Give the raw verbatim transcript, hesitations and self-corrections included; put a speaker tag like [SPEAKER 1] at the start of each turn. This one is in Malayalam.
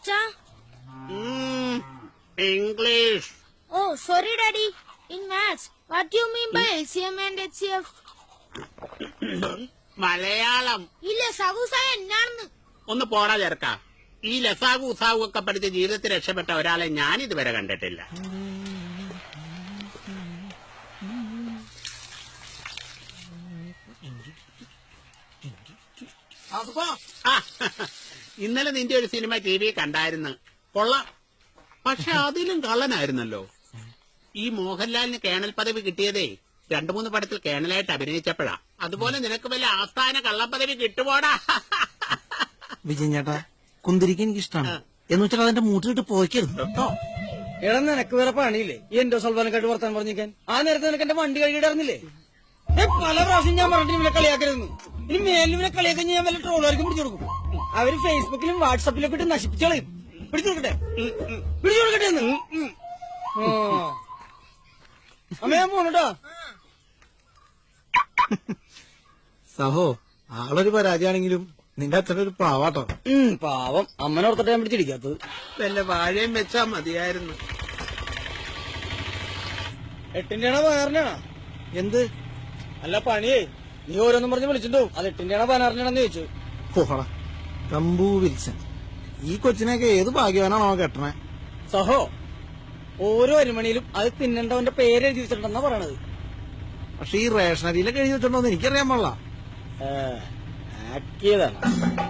[SPEAKER 1] Acha?
[SPEAKER 2] Mm, English.
[SPEAKER 1] Oh, sorry, Daddy. In maths, what do you mean by L C M and H C F?
[SPEAKER 2] Malayalam.
[SPEAKER 1] ഈ ലസാഗുസായ എന്നാണെന്ന്
[SPEAKER 2] ഒന്ന് പോടാ ചേർക്ക. ഈ ലസാഗു ഉസാഗു ഒക്കെ പഠിച്ച് ജീവിതത്തിൽ രക്ഷപ്പെട്ട ഒരാളെ ഞാൻ ഇതുവരെ കണ്ടിട്ടില്ല. ഇന്നലെ നിന്റെ ഒരു സിനിമ ടി വി കണ്ടായിരുന്നു. കൊള്ളാം. പക്ഷെ അതിലും കള്ളനായിരുന്നല്ലോ. ഈ മോഹൻലാലിന് കേണൽ പദവി കിട്ടിയതേ രണ്ടു മൂന്ന് പടത്തിൽ കേണലായിട്ട് അഭിനയിച്ചപ്പോഴാ. അതുപോലെ നിനക്ക് വല്ല ആസ്ഥാന കള്ളപ്പദവി കിട്ടുപോടാ.
[SPEAKER 3] വിജയൻ ചേട്ടാ, കുന്തിരിക്ക് എനിക്ക് ഇഷ്ടമാണ്. എന്ന് വെച്ചാൽ അതിന്റെ മൂട്ടിലിട്ട് പോയിക്കരുത് കേട്ടോ.
[SPEAKER 4] എടാ, നിനക്ക് വേറെ പണിയില്ലേ ഈ എന്റെ സൽവാനക്കായിട്ട് വർത്താൻ പറഞ്ഞിരിക്കാൻ? ആ നേരത്തെ നിനക്ക് എന്റെ വണ്ടി കഴുകിയിടായിരുന്നില്ലേ? പല പ്രാവശ്യം ഞാൻ പറഞ്ഞിട്ട് ഇവനെ കളിയാക്കരുന്നു. ഇനി മേലിൽ ഇവനെ കളിയാക്കാൻ ഞാൻ വല്ല ട്രോളുകാർക്കും പിടിച്ചു കൊടുക്കും. അവര് ഫേസ്ബുക്കിലും വാട്സാപ്പിലൊക്കെ ഇട്ട് നശിപ്പിച്ചു കളയും. പിടിച്ചു കൊടുക്കട്ടെ, പിടിച്ചു കൊടുക്കട്ടെ എന്ന്. അമ്മ ഞാൻ പോണട്ടോ.
[SPEAKER 3] സഹോ, ആളൊരു പരാജയാണെങ്കിലും നിന്റെ അച്ഛനൊരു പാവാട്ടോ.
[SPEAKER 4] പാവം, അമ്മനോർത്തിട്ട് ഞാൻ പിടിച്ചിരിക്കാത്തത്.
[SPEAKER 2] വല്ല വാഴയും വെച്ചാ മതിയായിരുന്നു.
[SPEAKER 4] എട്ടിന്റെ ആണോ പതിനാറിനാണോ?
[SPEAKER 3] എന്ത്?
[SPEAKER 4] അല്ല പണിയേ, നീ ഓരോന്നും പറഞ്ഞ് വിളിച്ചിട്ടോ. അത് എട്ടിന്റെ ആണോ പതിനാറിനാണെന്ന് ചോദിച്ചു.
[SPEAKER 3] പോടാ കമ്പൂ വിൽസൺ, ഈ കൊച്ചിനൊക്കെ ഏത് ഭാഗ്യവാനാണോ കെട്ടണേ.
[SPEAKER 4] സഹോ, ഓരോ അരിമണിയിലും അത് തിന്നണ്ടവന്റെ പേര് എഴുതി വെച്ചിട്ടുണ്ടെന്നാ പറയണത്.
[SPEAKER 3] പക്ഷെ ഈ റേഷനരിയിലൊക്കെ എഴുതി വെച്ചിട്ടുണ്ടോന്ന് എനിക്കറിയാൻ പാടില്ല.
[SPEAKER 4] ആക്കിയതാണ്.